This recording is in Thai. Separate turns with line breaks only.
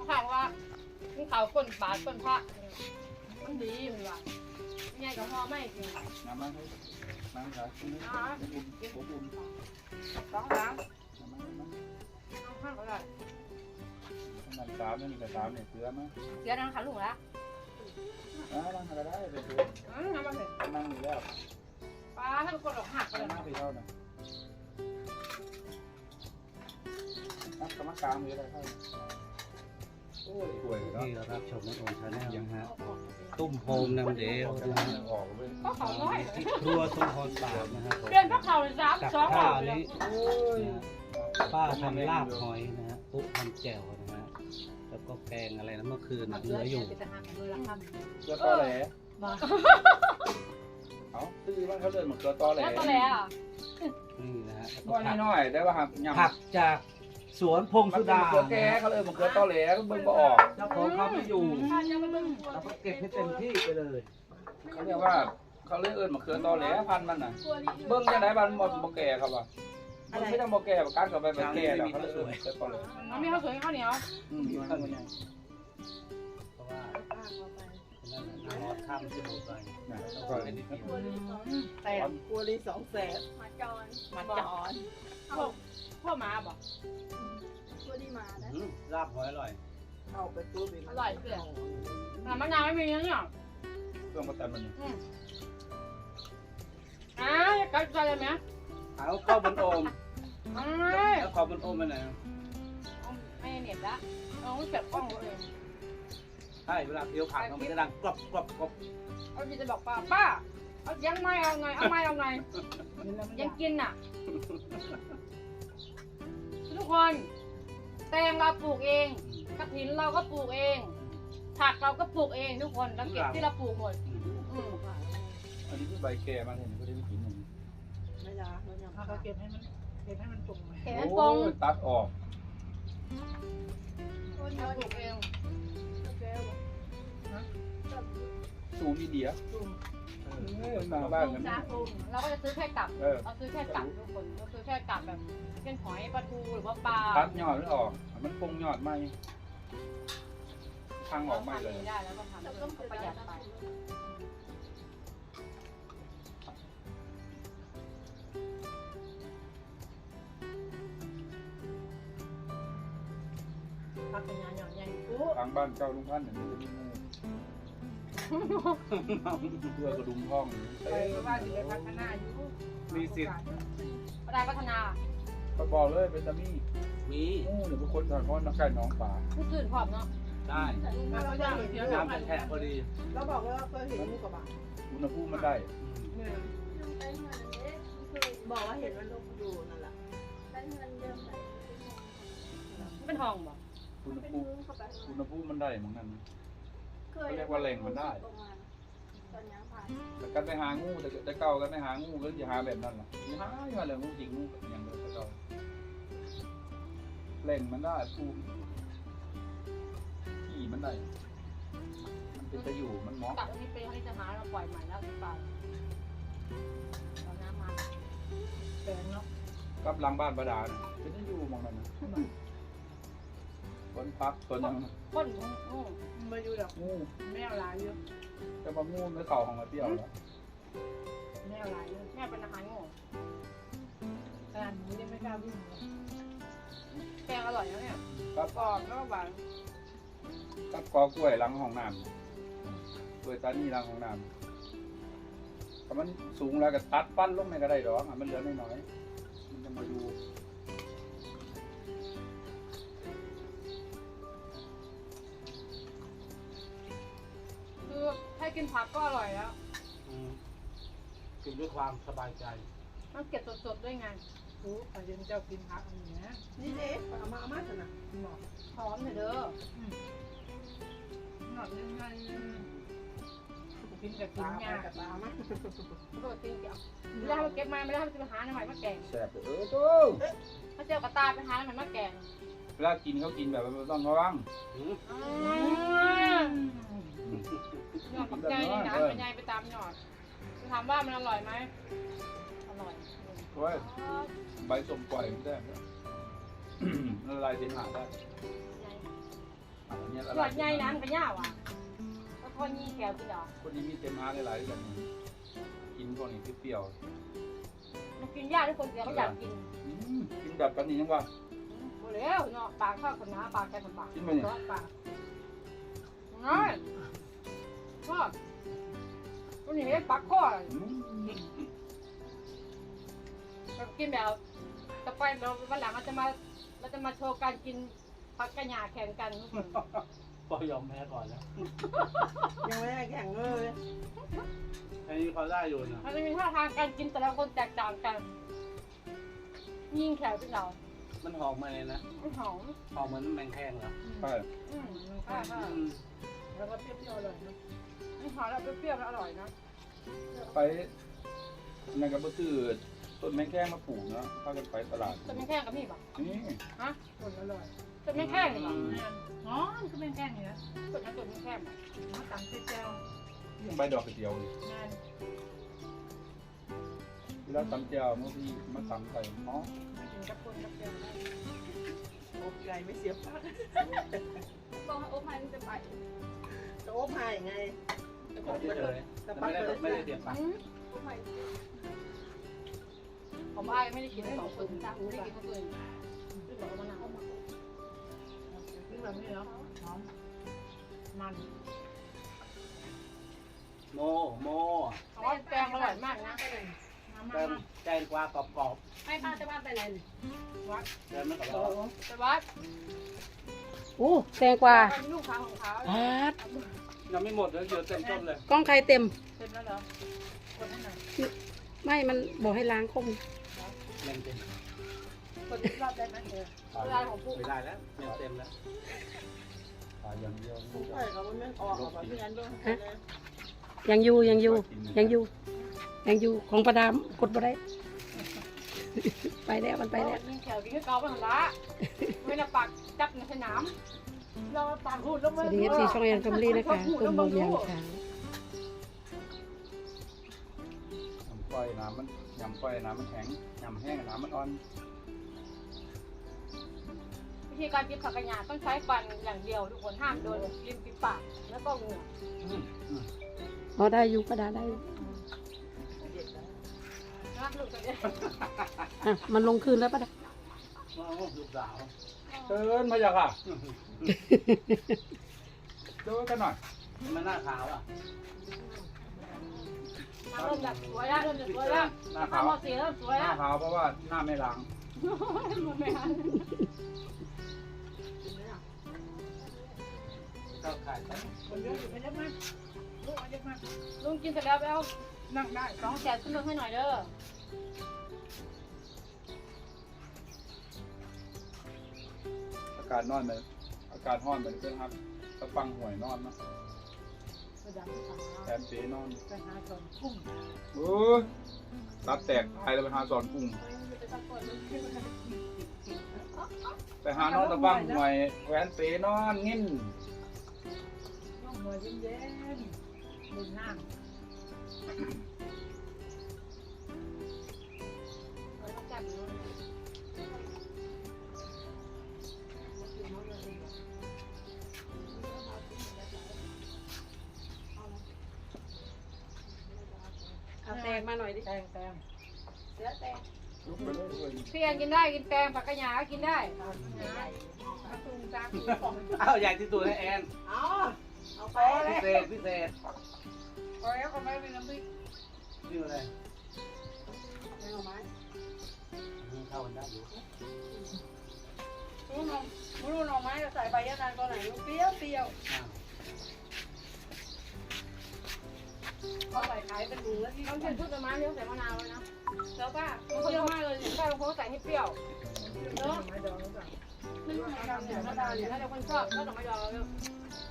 ข่าวว่ามันข่าวคนบาดคนพระมันดีมันว่าใหญ่กับพ่อไม่จริง
น้ำมันให้น้ำขาอุ่นอุ่น
สองล้างเอาข้างก็ได้
น้ำสามนี่กับสามเนี่ยเสือมั้ย
เดี๋ยวนั่งขาลุงแล้ว
นั่งอะไรได้ไปเสือ
นั่งมาเถอะ
นั่งอยู่แล้ว
ป้าท่านคนออกหักเลย
นั่งไปเท่านั้นนักกรรมการมีอะไรเท่าโอ้ยสวยเนาะ
ที่รับชมน้องโอมชาแนลนะฮะตุ้มโฮมนำเดียวนะฮะ
ออกเลย
ก็เขาน้อย
ที่ครัวสมพรปากนะฮะ
เปลี่ยนพระเขาเลย
กับ
สองอ
ข้า
อ
ว
กเลย
นี้ป้าทำลาบหอยนะฮะปุ๊ทำแจ่วนะฮะแล้วก็แกงอะไรนะเมื่อคืนเหลืออยู่
เกลือตอแหลเอาซื้อบ้างเขาเดินเหมือนเกลือตอแหล
แล้วตัวแล้ว
นี่นะฮะ
น้อยน้อยได้ป่ะครับยำ
ผักจากสวนพง
มัน
สุ
เป็น
ดา
เกลือแก่เขาเลยเหมือนเกลือตอแหลก็เบิ่งบ่ออก
เจ้าของเขาไม่อยู่เราก็เก็บให้เต็มที่ไปเลย
เขาเรียกว่าเขาเรียกเหมือนเกลือตอแหลพันมันน่ะเบิ่งยังไงบ้านบ่แก่ครับว่ะมันไม่ต้องบ่แก่ประกันกับไปแก่แล้วเขาเลยเกลือตอแหล
มันมีข้าวสวยข้าวเหนียว
อยู่ข้างใน
เพราะว่านั่นน่ะนอนข้ามจะหมดไป
นะแล้วก็อันนี้
แต่
กัวลี200,000
มาจอน
มาจอน
พ่อมาบอก
ตัวดีมานะ
ลาบหอยอร่อย
เอาไปตู้บิน
อร่อยเพื่อนแต่มะนาวไม่มีนะเนี่ย
เครื่องประกันมัน
กัดใจเลยไหม
เอาข้าวบนโอม
ไม่
แล้วข้าวบนโอมไปไหน
ไม่เน็ตละเอาเก็บกล้องเลย
ใช่เวลาเคี้ยวผักมันจะดังกรอบกรอบกรอบ
เอาพี่จะบอกป้าเอายังไม่เอาไงเอาไม่เอาไงยังกินอ่ะทุกคนแตงเราปลูกเองกระถินเราก็ปลูกเองผักเราก็ปลูกเองทุกคนเราเก็บที่เราปลูกหมด
อันนี้คือใบแก่มาเห็นก็ได้กินหนึ่ง
ไม่ยาเรายัง
เขาเก็บให้มันปรุงไหม
เห็นปง
ตัดออก
เราปลูกเอง
สูมีเดียมาบ้านกัน
เราก็จะซื้อแค่กลับเราซื้อแค่กลับทุกคนเราซื้อแค่กลับแบบเช่นหอยปลาทูหรือว่าปลา
ตัดยอดหรือออกมันปงยอดไหมทางออกไม่เลย
ได้แล้วก็ทำเพิ่มประหยัดไปพักเป็นงานหย่อนใหญ่ปุ๊บ
ทางบ้านเจ้าลุงพันธุ์เนี่ยมันจะมีงูเพื่อกระดุมห้อง
ไปเพราะว่าสิได้พัฒนาอยู่
มีสิทธิ์
ได้พัฒนา
ก็บอกเลยเป็นตามี่
มี
งูหรือเป็นคนทางก้อนนักไก่น้องป่า
ผู้ตื่นพร้อมเนาะ
ได้
แล้วก็จะเดี๋ยว
น้ำเป็นแทะพอดี
เราบอกว่าเคยเห็นงูกระบะ
อุณหภูมิมันได้
ได้เงินเด็กคือ
บอกว่าเห็นมันลงอยู่นั่นแหละ
ได้เงินเยอะไป
เป็นห้องบ่
อุณห
เป็น
ภูมิ
มือเข้าไป
อุณหภูมิมันได้เหมือนกัน
เคยตอนยังผ่าน
แต่กันไปหางูแต่เก่ากันไปหางูก็จะหาแบบนั้นแหละหาเลยงูจริงงูอย่างเดียวแต่เก่าเล่งมันได้ภูมิที่มันได้มันเป็นจะอยู่มันเหมาะ
กลับอันนี้เป็นอันนี้จะหาเราปล่อยใหม่แล้วหรือเปล่าตอนน้ำมา
แปลงเนาะ
กับหลังบ้านประดาเนี่ยเป็นจะอยู่มองนั้นนะต้นพักต้นยัง
ก้นงู
มาอยู่ดอก
งู
แมวลายอยู่
จะมางูไม่เข่าของมาเปรี้ยวแล้ว
แมวลายอยู่
แม่เป็นอาหารงู
ขนาดนี้ยังไม่กล้าวิ่งเลย
แกงอร่อยนะเนี่ย
กับ
กรอบแล้วหวาน
กับกอกล้วยหลังห้องน้ำกล้วยตานีหลังห้องน้ำถ้ามันสูงแล้วก็ตัดปั้นลงไม่ก็ได้หรอกมันเหลือน้อยๆมันจะมาอยู่
คือให้กินผักก็อร่อยแล้ว
กินด้วยความสบายใจ
มันเก็บสดๆด้วยไง
รู้ขอเย็นเจ้ากินผักอันนี้นะ
นี่เด็กเอามาเถอะนะ
หมอก
หอมเถอะเด้อ
หนอดยังไงกินกับกิ
ตาน
ยา
กับตามา
โดดจริงเดี๋ยวไม่ได้ให้มันเก็บมาไม่ได้ให้มันไปหาหน่อยมาแกง
แสบตู้
ถ้าเจอกระตาไปหาหน่อยมาแกง
เวลากินเขากินแบบไม่ต้องระวัง
หยอดกับใจนี่นะเป็นไงไปตามหยอดจะถามว่ามันอร่อยไหมอร่อย
เพราะว่าใบสมปล่อยมันได้ละลายเสมหะได้เนี่ย
หยอดใหญ่น้ำกันยาวอ่ะแล้วพอยี่แขวกินเหรอ
คนนี้มีเต็มฮาหลายๆกันกินพวกนี้เปรี้ยว
มันกินยากทุกคนเสียเขาอยากกิน
กินแบบกันนี้ยังว่า
หมดแล้วเนาะปากข้าวคนหนาปากแกทำปาก
กินมาเนี่ย
ร้อนปากง่ายชอบตัวนี้ปักข้อกินแบบต่อไปเราวันหลังเราจะมาโชว์การกินผักกระหย่าแข่งกันทุกคน
ก็ยอมแพ้ก่อนแล้ว
ยังไม่ได้แข่งเลย
อันนี้เขาได้อยู่นะ
มันจะมีท่าทางการกินแต่ละคนแตกต่างกันยิ่งแขวเป็นเรา
มันหอมมาเลยนะ
ไม่หอม
หอมเหมือนแมงแคงเหรอ
ใช่
ค่ะ
แล้วก็เปรี้ยวๆเลยนะ
ไม่หอมแล้วเปรี้ยวๆแล้วอร่อยนะ
ไปในกระเบื้องต้นแมงแก้งมาปลูกเนาะพากันไปตลาด
ต้นแม่แข้งกับนี่ป่ะ
นี่
ฮะ
ผลอร่อย
ต้นแม่แข้งนี่ป่ะ
อ๋อมันก็เป็นแกงนี่นะ
ต้นแม่แข้ง
มาตำเจียว
ยังใบดอกกระเจียวเลย
งาน
แล้วตำเจียวเมื่อพี่มาตำใส่หม้อ
กินกับคนกับเดียวได้
อบไก่ไม่เสียปาก
ต้องให้โอ๊คมันจะไป
จะอบให้ไง
ผมเฉยๆแต่ไม่ได้เสียบปาก
ผมอ้ายไม่ได้กินสองคนจ้าไม่ได้กินคนอื่นไม่บอกมะนาว
นี่แบบนี้เนาะหอมมัน
โม
เพราะว่าแกงอร่อยมากนะ
เติมแกงกวากรอบ
ให้ป้าจะว่าไปไหน
ๆเติมไม่กรอบ
ไปวัด
โอ้แตงกวา
ลูกค้าของเขา
พาด
ยังไม่หมดเลยเดี๋ยวเต็มต้นเลย
กล้องใครเต็ม
เสร็จแล้วเหรอคนให้หน่อย
ไม่มันบอกให้ล้างคม
เต็มเต็ม
คนที่รอบได้ไหมเออ
เวลาของปุ๊ก
ไม่ได้แล้วเต็มแล้ว
ขายอย่างเดียว
ผู้ใหญ่เขาไม่ออกแบบพี่อันด้วยนะ
ยังอยู่ของประดามกดบ่ได้ ไปแล้วมันไปแล้ว
ยิงแขวกินก็เกาไปหันละไม่ละปากจับในสนามเราปากหูดแล้ว
ส
มัน
วัสดีFC ช่องแอนแฟมิลี่นะคะกลุ่มโมเมียงค่ะ
ยำก้อยน้ำมันแข็งยำแห้งน้ำมันอ่อน
วิธีการกินผักกระหยาต้องใช้ฟันอย่างเดียวทุกคนห้ามโดนริมฝีปากแล้วก็เหงือก
อ๋อได้อยู่ประดาได้อยู่
นะลูกจะได้
อ่ะมันลงคืนแล้วประดา
ลูกสาว
เชิญมาจากอ่ะดูกันหน่อย
มันหน้าขาวอ่ะ
เริ่มจากสวยแล้วเริ่มจากสวยแล้ว
หน้า
ข้า
ขาว ว
มอสีเริ่มสวย
หน้า
แล้ว
ขาวเพราะว่าหน้าไม่ล้าง
หมดไหมคะ
ก็ขายไป
คนเยอะอยู่ไม่ได้มากลูกมาเยอะมาก
ลุงกินเสร็จแล้วไปเอา
นั่งได้
2 แสนขึ้นรถให้หน่อยเด้อ
อากาศนอนไปอากาศห้อนไปเพื่อนครับตะฟังหวยนอนนะ
ประดับที่สาม
แถมเป๋นอน
ไปหาส่วนกุ้ง
โอ้ยตับแตกตายแล้วไปหาสอนกุ้งไปหานอนตะฟังหวยแหวนเป๋นอนงิ้น
น้องหัวเย็นๆบนน้ำ
ต้องจับอยู่
เอาแตงมาหน่อยดิ
แตง
ลุกไปเลยด้วย
พี่แอนกินได้กินแตงผักกระหยาก็กินได้
มาตุ้งจ้า
อ้าวใหญ่ที่สุดให้แอน
เอาไป
พิเศษ
พอแล้วก็ไม่เป็นน้ำพริก
นี่อะไร
เอาไม้
เข้ากันได้อยู่
รู้หน่อไม้ใส่ใบยะนางตัวไหนเปรี้ยวเปรี้ยว เขาใส่ขายเป็นถุงแล้วที่
ต้องกินทุกต้นไม้เลี้ยงใส่มะนาวเลยนะแล้วป้าเปรี้ยวมากเลยป้าบางคนใส่ให้เปรี้ยวเนาะ
ไม่ดองหรือเปล่า
ไม่ใช่ดำเนี่ยมะนาวเนี่ยถ้าเดี๋ยวคนชอบก็ต้องไม่ดองแล้ว